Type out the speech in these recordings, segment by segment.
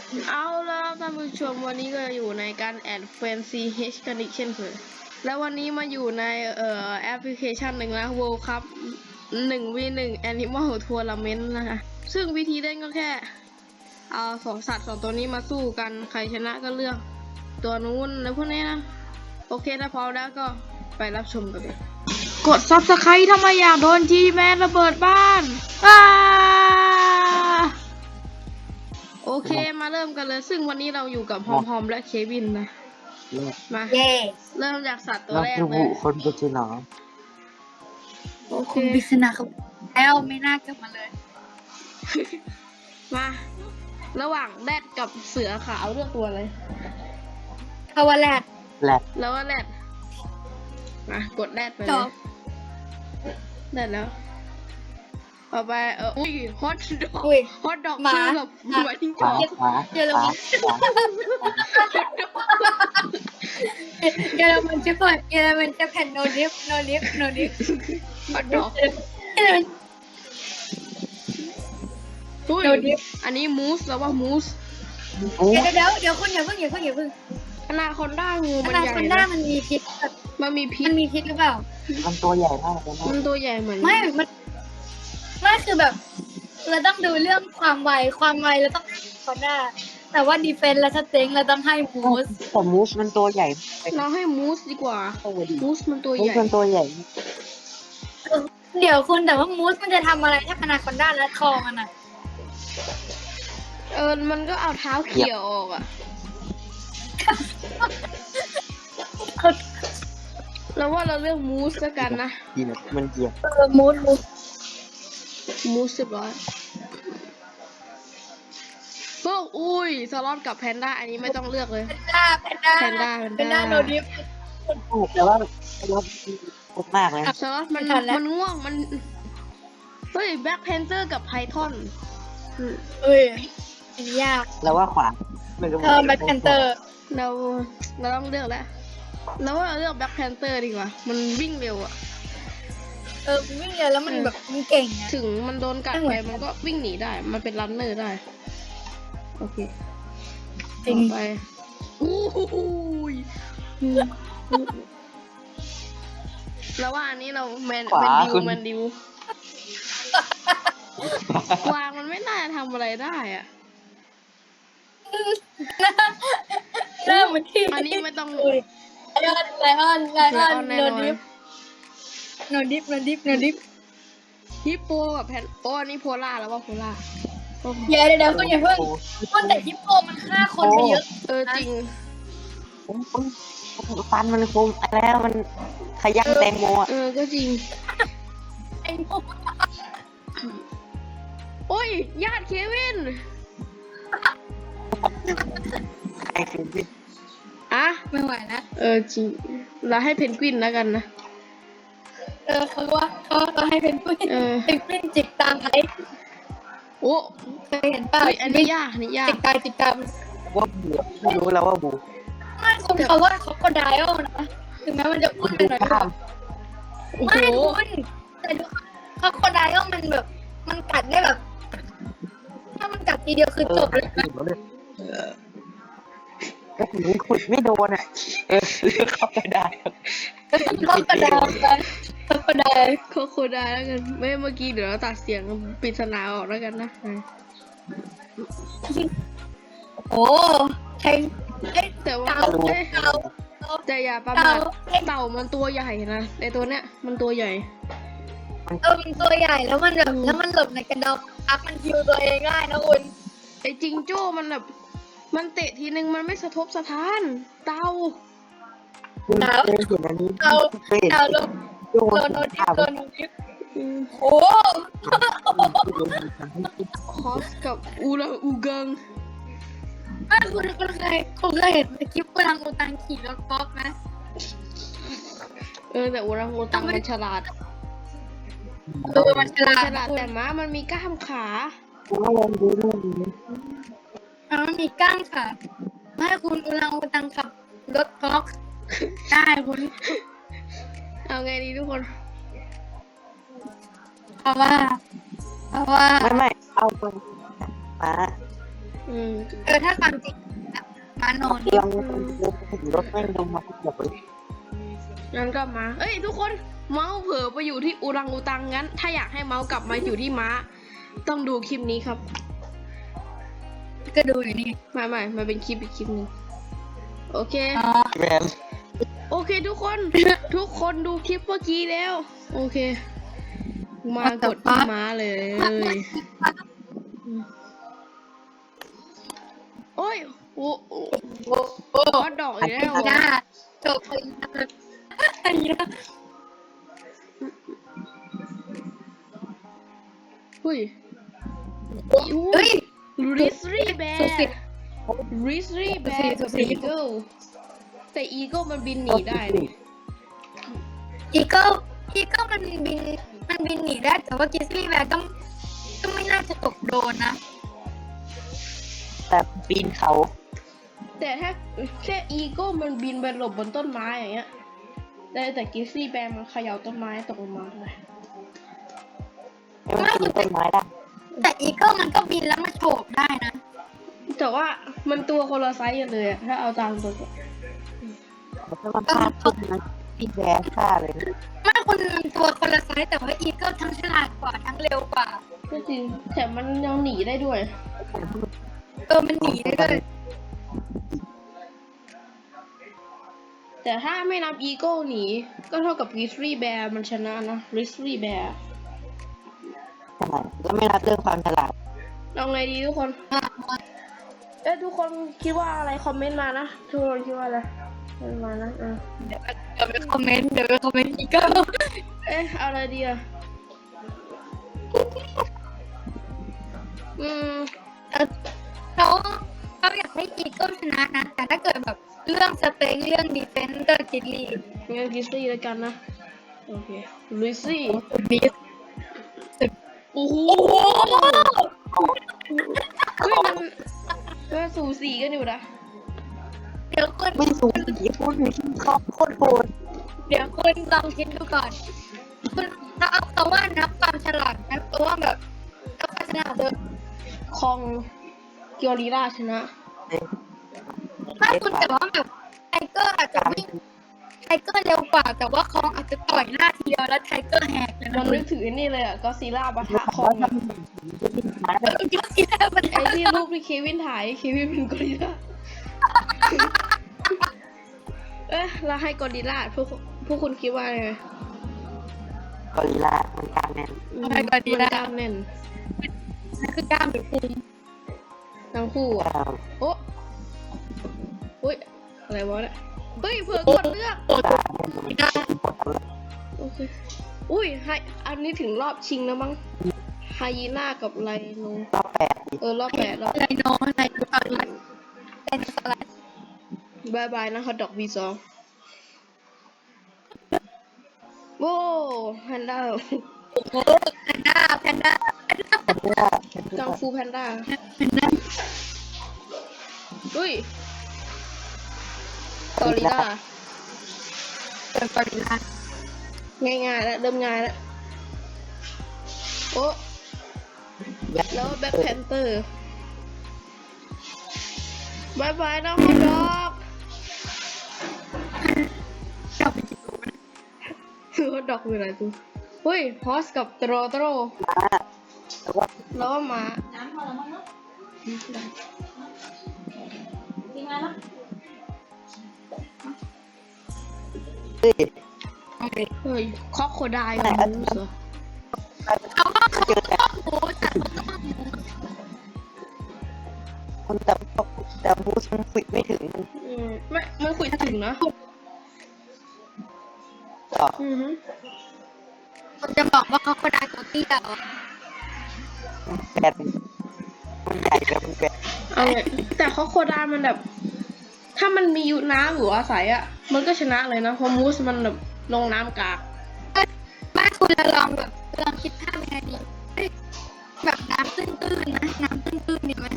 เอาแล้วท่านผู้ชมวันนี้ก็อยู่ในการแอดเฟนซีเฮชกันอีกเช่นเคยแล้ววันนี้มาอยู่ในแอปพลิเคชันหนึ่งนะ World Cup 1v1 Animal Tournament นะคะซึ่งวิธีเล่นก็แค่เอาสัตว์สองตัวนี้มาสู้กันใครชนะก็เลือกตัวนู้นแล้วพวกนี้นะโอเคถ้าพร้อมแล้วก็ไปรับชมกันเลยกด Subscribe ถ้าไม่อยากโดน G-Man ระเบิดบ้านโอเคมาเริ่มกันเลยซึ่งวันนี้เราอยู่กับพอมและเควินนะมาเริ่มจากสัตว์ตัวแรกเลยคนปริศนาโอเคคุณปริศนาครับแล้วไม่น่ากลับมาเลยมาระหว่างแรดกับเสือขาวเลือกตัวเลยคาวาแลดแหลกแล้วว่าแรดมากดแรดไปจเลยบแรดแล้วต่อไปอุ้ยฮอตดอกอุ้ยฮอตดอกหมาคือแบบหมายถึงขวาจอกขวาเยอรมัน เยอรมันจะเปิดเยอรมันจะแผ่นโนดิฟฮอตดอกเยอรมันอุ้ยโดนดิฟอันนี้มูสแล้วว่ามูสโอ้เดี๋ยวคุณอย่าเพิ่งอนาคอนด้างูอมันนาใหญ่คอนด้านะมันมีพิษแบบมันมีพิมัษนมีพิษหรือเปล่ามันตัวใหญ่มากเลยนะมันตัวใหญ่เหมือนไม่คือแบบเราต้องดูเรื่องความไวเราต้องให้คอนด้าแต่ว่าดีเฟนส์และสเต็งเราต้องให้มูสแต่มูสมันตัวใหญ่เราให้มูสดีกว่าตัวดีมูสมันตัวมูใหสญ่มันตัวใหญ่เดี๋ยวคุณแต่ว่ามูสมันจะทำอะไรถ้าอนาคอนด้าและคอมันอ่ะมันก็เอาเท้าเขี่ยออกอ่ะ แล้วว่าเราเลือกมูสแล้วกันนะดีนะมันเหยียบมูสมูส10พวกอุ้ยสล็อตกับแพนด้าอันนี้ไม่ต้องเลือกเลยแพนด้าโนดิฟแต่ว่าเราโคตรมากเลยสล็อตมันไม่ทันแล้วมันง่วงมันเฮ้ยแบ็คแพนเตอร์กับไพทอนเอ้ยอันนี้ยากแล้วว่าขวามันก็แบ็คแพนเตอร์เราต้องเลือกแล้วแล้วว่าเราเลือกแบ็คแพนเตอร์ดีกว่ามันวิ่งเร็วอ่ะวิ่งเร็วแล้วมันแบบมันเก่งอะถึงมันโดนกัดไปมันก็วิ่งหนีได้มันเป็นรันเนอร์ได้โอเคจริงต่อไปอู้หูยแล้วว่าอันนี้เราแมนดิววางมันไม่น่าจะทำอะไรได้อ่ะเริ่มมันที่อันนี้ไม่ต้องไลออนแน่โนนอนดิฟฮิปโปกับแพนโอ้อันนี้โพล่าแล้วว่าโพล่าเดี๋ยวคุณอย่าเพิ่งต้นแต่ฮิปโปมันฆ่าคนไปเยอะจริงฟันมันคมแล้วมันขยันแตงโมอ่ะก็จริงไอ้พวกโอ้ยญาติเควินไอ้คือวิอ่ะไม่ไหวแล้วจริงเราให้เพนกวินแล้วกันนะเขาให้เป็นผู้เป็นผู้จิกตามไอ้โอ้เคยเห็นป่ะอันนี้ยากจิกตามว่าบูไม่รู้แล้วว่าบูไม่คุณเขาว่าเขาก็ได้นะถึงแม้มันจะพูดไปหน่อยก็โอ้โหไม่คุณแต่ดูเขาโคดายมันแบบมันกัดได้แบบ ถ้ามันกัดทีเดียวคือจบเลยนะก็ถึงขุดไม่โดนอ่ะเข้าไปได้เขาโคดายเขาโคดายโคได้แล้วกันไม่เมื่อกี้เดี๋ยวเราตัดเสียงปริศนาออกแล้วกันนะโอ้ใช่ไอ้แต่ว่าเต่าแต่อย่าประมาทเต่ามันตัวใหญ่นะในตัวเนี้ยมันตัวใหญ่มันตัวใหญ่แล้วมันแบบแล้วมันหลบในกระดองอัพมันฮิวตัวเองได้นะคุณไอ้จิงโจ้มันแบบมันเตะทีนึงมันไม่สะทบสะท้านเต่าเคยเห็นอันนี้เคยเห็นเต่าโดนโดนดิฟโอ้คอสกับอูรังอูกังไม่คุณเคยเห็นคลิปกูรังอูตังขี่รถก๊อล์ฟไหมแต่อูรังอูตังมันฉลาดมันฉลาดแต่ม้ามันมีกล้ามขามันมีก้างค่ะไม่คุณอูรังอูตังขับรถก๊อล์ฟได้คุณเอาไงดีทุกคนเพราะว่าไม่เอาไปมาถ้าความจริงมานอนเตียงรถแม่งลงมาเกือบเลยงั้นก็มาเอ้ยทุกคนเมาส์เผลอไปอยู่ที่อูรังอูตังงั้น ถ้าอยากให้เมาส์กลับมาอยู่ที่ม้า ต้องดูคลิปนี้ครับก็ดูอยู่นี่ไม่มันเป็นคลิปอีกคลิปหนึงโอเคแมนโอเคทุกคน ทุกคนดูคลิปเมื่อกี้แล้ว โอเค มากดที่ม้าเลยโอ้ยโอ้ฮอตดอกอีกแล้วหน้าจบไปอันนี้หุ้ยเฮ้ยริสรี่แบสุดสิร์ริสรี่แบร์สุดสิอีเกิลแต่อีเกิลมันบินหนีได้นี่อีเกิลมันบินหนีได้แต่ว่ากิสลี่แบร์ก็ไม่น่าจะตกโดนนะแต่ปีนเขาแต่ถ้าแค่อีเกิลมันบินไปหลบบนต้นไม้อย่างเงี้ยแต่กิซี่แบร์มันเขย่าต้นไม้ตกลงมาเลยไม่ปีนต้นไม้ได้แต่อีเกิลมันก็บินแล้วมาโฉบได้นะแต่ว่ามันตัวคนละไซส์กันเลยอะถ้าเอาตามตัวถ้ามันพลาดขึ้นนะปีนแย่ฆ่าเลยไม่มันตัวคนละไซส์แต่ว่าอีเกิลทั้งฉลาดกว่าทั้งเร็วกว่าก็จริงแต่มันยังหนีได้ด้วยมันหนีได้ด้วยแต่ถ้าไม่นับอีโก้หนีก็เท่ากับริสรี่แบร์มันชนะนะริสรี่แบร์ใช่แล้วไม่รับเรื่องความฉลาดเอาไงดีทุกคนทุกคนคิดว่าอะไรคอมเมนต์มานะทุกคนคิดว่าอะไรคอมเมนต์มานะเดี๋ยวไปคอมเมนต์อีเกิลเอาอะไรดีอะเขาอยากให้อีเกิลชนะนะแต่ถ้าเกิดแบบเรื่องสเต็งเรื่องดีเฟนส์ก็กิลลี่งั้นริสรี่แล้วกันนะโอเคริสรี่บีสโอ้โหเฮ้ยมันสูสีกันอยู่นะเดี๋ยวคุณไม่สูงสีพูดถึงเขาโคตรโหดเดี๋ยวคุณลองคิดดูก่อนคุณถ้าเอาคำว่านับความฉลาดนะเพราะว่าแบบนับความฉลาดเถอะคองเกียวรีราชนะถ้าคุณแต่ว่าแบบไทเกอร์อาจจะวิ่งไทเกอร์เร็วกว่าแต่ว่าคองอาจจะต่อยหน้าทีเดียวแล้วไทเกอร์แหกเลยมันะนนึกถึงไอ้นี่เลยอะก็ซีล่าปะทะคองอะก็คิดแล้วมันไอ้ที่รูปที่เควินถ่ายเควินเป็นกอริลลาเราให้กอริลลาพวกคุณคิดว่าไงกอริลลามันกลางแน่นอะไรก็ดีมันแล้วกล้ามแน่นนั่นคือกล้ามหรือพุงทั้งคู่อะ โอ้อุ้ยอะไรวะเนี่ยเฮ้ยเผื่อกดเลือกโอ้โหได้โอเคอุ้ยให้อันนี้ถึงรอบชิงแล้วมั้งไฮยีน่ากับไรโนรอบ8 รอบ8รอบไลโนสลัดเป็นสลัดบายบายนะฮอตดอก V2 โว้แพนด้าโอ้โหแพนด้ากังฟูแพนด้าแพนด้าอุ้ยกอริลลาเป็นกอริลลาง่ายๆแล้วเริ่มง่ายแล้วโอ้แล้วแบ็คแพนเตอร์บายบายนะฮอตดอกชอบไปกินกูนะฮอตดอกมีอะไรตัวเฮ้ยฮอสกับโตรแต่ว่าแล้วก็มาน้ำพอแล้วมั้งเนาะทิ้งไว้เนาะเฮ้ยโอเคเฮ้ยคอกโคไดกับมูสเหรอเขาก็เขาต้องหมูแต่เขาต้องหมูคนแต่มูสมันฝึกไม่ถึงไม่มันคุยถึงนะต่อคนจะบอกว่าเขาก็ได้ตัวเตี้ยเหรอแบนมันใหญ่แบบมันแบนเอาเลยแต่คอกโคไดมันแบบ ถ้ามันมีอยู่น้ำหรืออาศัยอ่ะ มันก็ชนะเลยนะเพราะมูสมันแบบลงน้ำกากบ้านคุณลองแบบลองคิดภาพยังไงดีแบบน้ำตื้นๆนะน้ำตื้นๆดีไหม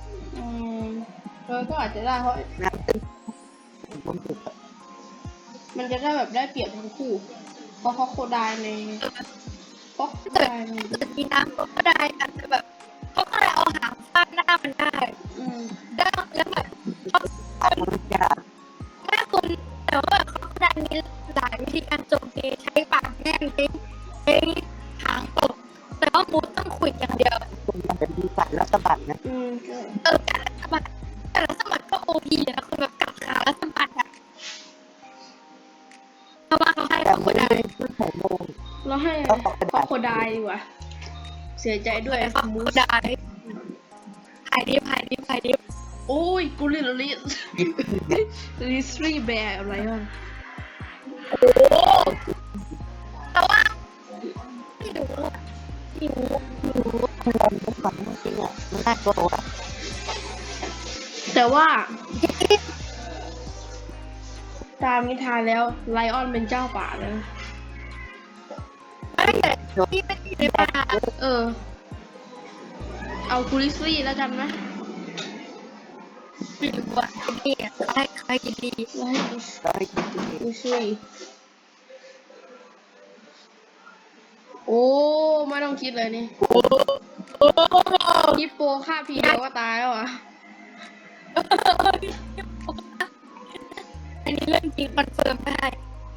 ก็อาจจะได้เพราะน้ำตึ้งมันฝึกมันจะได้แบบได้เปรียบทั้งคู่ เพราะคอกโคไดในคอกโคไดในเกิดมีน้ำก็ได้อาจจะแบบเขาก็เลยเอาหางไฟปั้นหน้ามันได้อืมได้แล้วแบบเขาอันมันยากแม่คุณแต่ว่าเขาดันมีหลายวิธีการโจมตีใช้ปากแง่งใช้หางตบแต่ว่ามูดต้องขุดอย่างเดียวคุณมันจะมีสัตว์แล้วสะบัดนะอืมการสะบัดแต่ละสะบัดก็โอพีนะคุณแบบกัดขาแล้วสะบัดอะเพราะว่าเขาให้แต่เขาไม่ได้ได้ไม่ใส่โมงเราให้คอโคไดดีกว่า เสียใจด้วยเขามูสได้หายดิบโอ้ยกูเรียนลิสลิสรีแบร์อะไรวะโอ้แต่ว่าไม่รู้อะไม่รู้คุณลองดูก่อนจริงอ่ะมันน่ากลัวแต่ว่าตามนิทานแล้วไลออนเป็นเจ้าป่าแล้วไม่แต่ที่ไม่ได้ในป่าเออ เอากูลิสรีแล้วกันนะไม่รู้อะกินดีอะเขาให้กินดีแล้วให้ก็ให้คิดดูลิสรีโอ้ไม่ต้องคิดเลยนี่โอ้โอ้ฮิปโปฆ่าพีเดียวก็ตายแล้วอ่ะอันนี้เรื่องจริงคอนเฟิร์มได้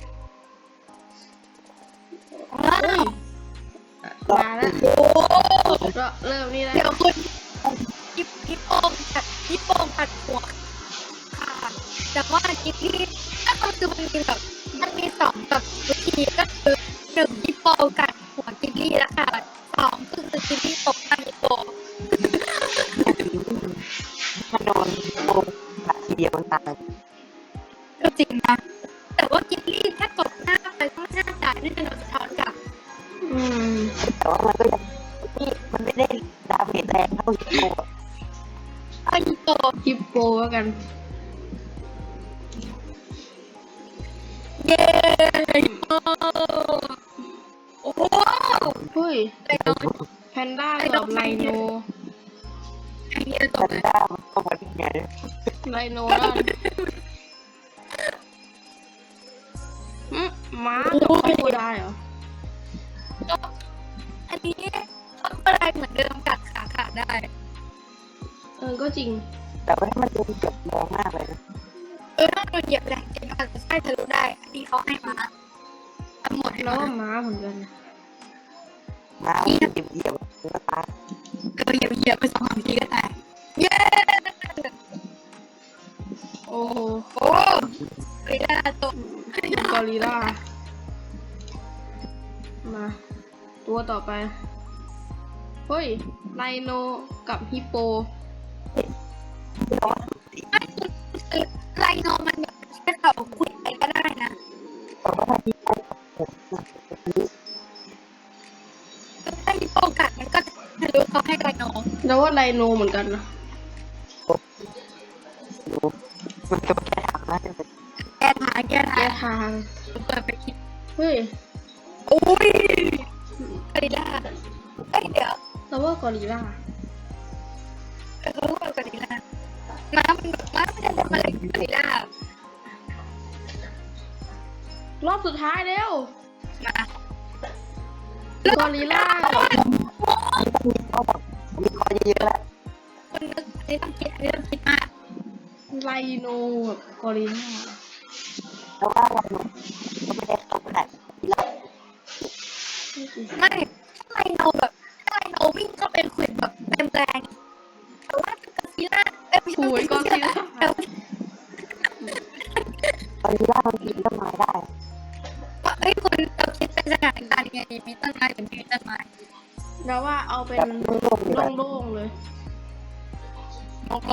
ว้าวมาแล้วโอ้ก็เริ่มนี่แล้วเดี๋ยวคุณฮิปโปผัดหัวค่ะแต่ว่ากินที่ถ้าเขาคือมันมีสองแบบวิธีก็คือหนึ่งฮิปโปกัดหัวกินลี่แล้วค่ะสองคือกินลี่ตกหน้าฮิปโปถ้าโดนโมงขาทีเดียวมันตายก็จริงนะแต่ว่ากินลี่ถ้าตกหน้าไปก็หน้าจ่ายน่าจะโดนสะท้อนกลับอืมแต่ว่ามันก็ยังนี่มันไม่ได้ดาเมจแรงเท่าฮิปโปอะไอ้ฮิปโปฮิปโปแล้วกันเย้ฮิปโปโอ้โหเฮ้ยไอ้น้องแพนด้ากับไลโนไอ้เนี่ยตซักนเลยด้ามันเข้ามาที่ไงไลโนนั่นม้ากับคอโคไดเหรออันนี้เขาก็ได้เหมือนเดิมกัดขาขาดได้เออ ก็จริงแต่ว่าถ้ามันโดนเจ็บแรงมากเลยนะถ้าโดนเหยียบแรงจริงอาจจะใช่ทะลุได้ อันนี้เขาให้มาทั้งหมดให้แล้วมาก็ม้าเหมือนกันน้ำเหยียบมันก็ตายก็เหยียบไปสองสามทีก็ได้เย้โอ้โหโอ้ไม่ได้ตกกอริลล่า มา ตัวต่อไป เฮ้ย ไลโนกับฮิปโปไม่คือไลโนมันแบบแค่เขาคุยไปก็ได้นะแต่ว่าถ้าฮิปโปกับผมนะถ้าฮิปโปกัดมันก็ทะลุเขาให้ไลโนแล้วว่าไลโนเหมือนกันนะดูมันก็แค่ทำนะจะเป็นแก้ทางแก้ทางเปิดไปคิดเฮ้ยโอ้ยกอริลล่าเอ้ยเดี๋ยวแล้วว่ากอริลล่าเขาพูดกอริลล่าม้ามันจะทำอะไรกับกอริลล่ารอบสุดท้ายแล้วมากอริลล่ามีข้อแบบมีข้อเยอะๆแล้วคนนึกอันนี้ต้องคิดมากไลโนกับกอริลล่าแล้วว่าเราก็ไม่ได้เข้าขนาดที่เราไม่ถ้าไลโนแบบถ้าไลโนวิ่งเข้าไปขวิดแบบเต็มแรงแต่ว่ากอริลล่าไม่ใช่โอ้ยกอริลล่าแต่ว่าตอนนี้ล่ามันกินต้นไม้ได้เอ้ยคุณเราคิดเป็นสถานการณ์ยังไงดีมีต้นไม้หรือไม่มีต้นไม้แล้วว่าเอาเป็นแบบโล่งๆอยู่แบบโล่งๆเลยโอ้โห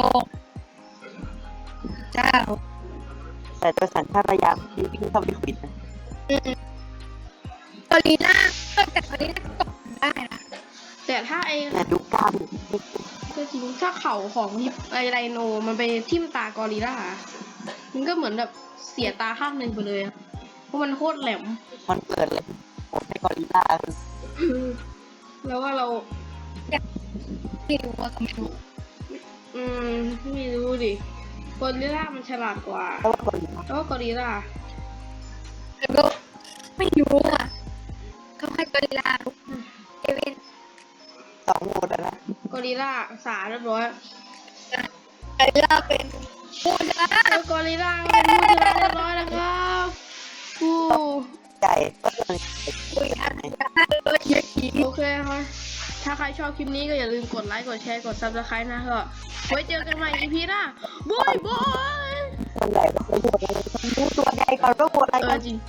เจ้าแต่โดยสัญชาตญาณที่วิ่งเข้าไปขวิดนะกอริลล่าแต่กอริลล่าก็ตกได้นะแต่ถ้าไอ้แต่ดูกล้ามก็จริงถ้าเข่าของไอ้ไลโนมันไปทิ่มตากอริลล่า มันก็เหมือนแบบเสียตาข้างหนึ่งไปเลยอะเพราะมันโคตรแหลมมันเปิดเลยผมให้กอริลล่าแล้วว่าเราไม่รู้ว่าก็ไม่รู้ไม่รู้ดิกอริลล่ามันฉลาดกว่าเพราะว่ากอริลล่าแล้วก็กอริลล่าแล้วก็ไม่รู้อ่ะเขาให้กอริลลาเอเวนสองโหมดอะนะกอริลล่าสาเรียบร้อยไอ้ล่าเป็นผู้ชนะแล้วกอริลล่าก็เป็นผู้ชนะเรียบร้อยแล้วครับผู้ใหญ่ก็เลยคุยอันได้เลยเยอะทีโอเคครับถ้าใครชอบคลิปนี้ก็อย่าลืมกดไลค์กดแชร์กด subscribe นะก็ไว้เจอกันใหม่ EP หน้าบายบายคนใหญ่ก็เลยดูตัวใหญ่ก่อนว่าตัวอะไรกันจริง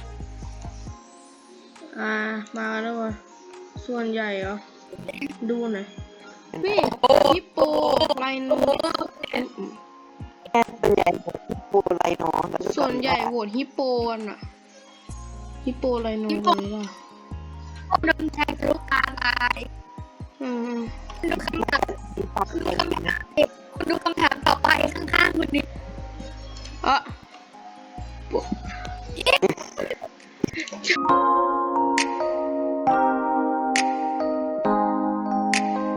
มาแล้วว่ะส่วนใหญ่เหรอดูหน่อยนี่ฮิปโปไลโนแค่ตัวใหญ่ปูไรเนาะส่วนใหญ่โหวตฮิปโปกันอะฮิปโปไลโนเลยล่ะโดนแทงทะลุกลางตายอืมดูคำถามดูคำถามต่อไปข้างๆคุณดิอ่ะ